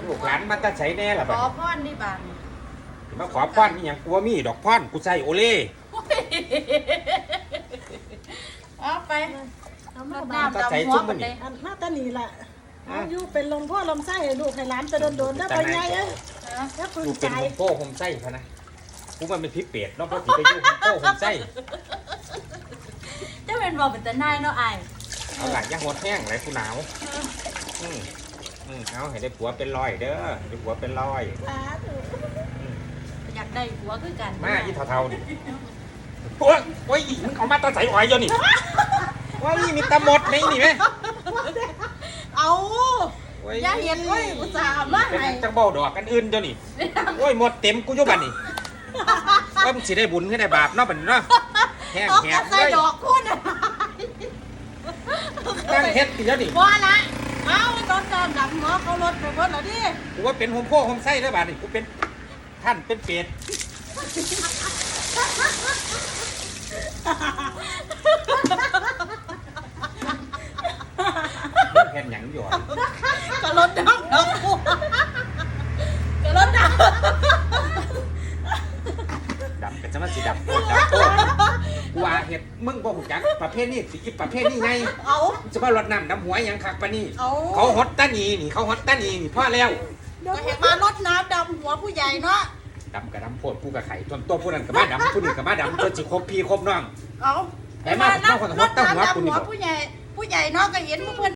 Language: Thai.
ลูกหลานมันจะใช้แน่ล่ะขบัดอนี้พรนี่บานมาขอพรนี่หยังกลัวมีดอกพรกูใส่โอเล่เอาไปเอามาน้ำบ้านดำหัวมันเลยอันมาตานีล่ะเอาอยู่เป็นลมพ่อลมไส้ให้ลูกให้หลานไปโดนๆได้ไปไงเอ้ยแล้วปืนกูเป็นใจโฮมโป้โฮมไส้พะนะกูมันเป็นพิษเป็ดเนาะเพราะที่ไปอยู่โฮมโป้โฮมไส้เจ้าเป็นบอกเป็นแต่นายเนาะไอ้เอาหลายย่างหดแห้งไรกูหนาวเอาให้ได้ผัวเป็นร้อยเด้อได้ผัวเป็นร้อยอ่าถูกอยากได้หัวคือกันมาอีเท่าๆดิโอ้ยมึงเอามาตาใส่อ้อยอยู่นี่ว่ามีตะหมดในนี่ไหมเอาอย่าเห็นเว้ยอุตส่าห์มาเป็นให้จังเบาดอกกันอื่นเจ้านี่โอ้ยหมดเต็มกูอยู่บัดนี่ว่ามึงสิได้บุญขึ้นได้บาปเนาะบัดนี้เนาะแห้งต้องแหกระบใส่เลยดอกคุณอ่ะตั้งเฮ็ดติเจ้านี่ว่าละเอาโดนจอมดำหัวเขารถไปหมดแล้วดิกูว่าเป็นโฮมโป้โฮมไส้ได้อบาดนี่กูเป็นท่านเป็นเป็ดแผ่นหยังอยู่ก็รถดำดอกบัวก็รถดำดำเป็นสมาสิดำโคตรดำโคตรกูว่าเฮ็ดมึงบ่ฮู้จักประเภทนี้สิประเภทนี้ไงเอาจะมารดน้ำดำหัวหยังคักปะนี่เอาเขาฮอตตานีนี่เขาฮอตตานีนี่พ่อแล้วก็เห็นมารถน้ำดำหัวผู้ใหญ่เนาะดำกับดำโพดผู้กับไข่ตัวผู้นั้นกับมาดำผู้นี้กับมาดำตัวจิครบพี่ครบน้องเอาแต่มาผมว่าคนฮอตตั้งหัวรถคุณนี่น้ำดำหัวบอกผู้ใหญ่เนาะก็เห็นเพื่อน